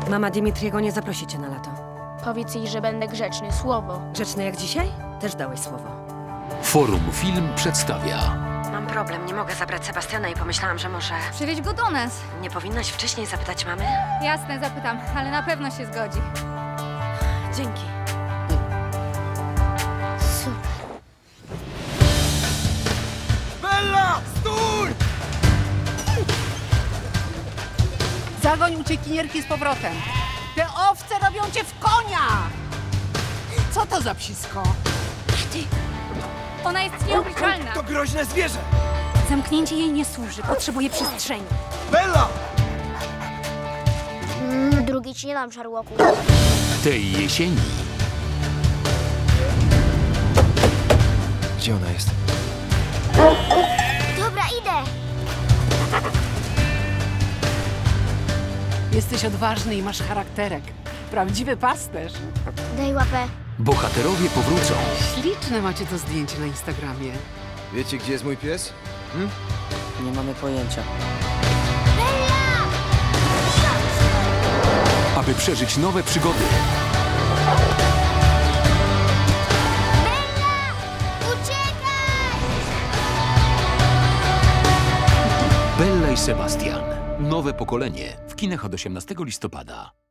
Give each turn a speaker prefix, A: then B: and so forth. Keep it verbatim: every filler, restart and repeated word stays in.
A: Mama Dimitriego nie zaprosi cię na lato.
B: Powiedz jej, że będę grzeczny. Słowo.
A: Grzeczny jak dzisiaj? Też dałeś słowo.
C: Forum Film przedstawia
A: Mam problem, nie mogę zabrać Sebastiana i pomyślałam, że może...
D: Przywieź go do nas.
A: Nie powinnaś wcześniej zapytać mamy?
D: Jasne, zapytam, ale na pewno się zgodzi.
A: Dzięki.
B: Super.
E: Bella! Stój!
F: Zagoń uciekinierki z powrotem. Te owce robią cię w konia! Co to za psisko?
D: Ona jest nieobliczalna.
E: To groźne zwierzę!
D: Zamknięcie jej nie służy, potrzebuje przestrzeni.
E: Bella!
B: Mm, drugi ci nie dam, Sherlocku.
C: tej jesieni.
E: Gdzie ona jest?
B: Dobra, idę.
F: Jesteś odważny i masz charakterek. Prawdziwy pasterz.
B: Daj łapę.
C: Bohaterowie powrócą.
F: Śliczne macie to zdjęcie na Instagramie.
E: Wiecie, gdzie jest mój pies?
G: Nie mamy pojęcia.
C: Aby przeżyć nowe przygody.
B: Uciekaj!
C: Bella i Sebastian. Nowe pokolenie w kinach od osiemnastego listopada.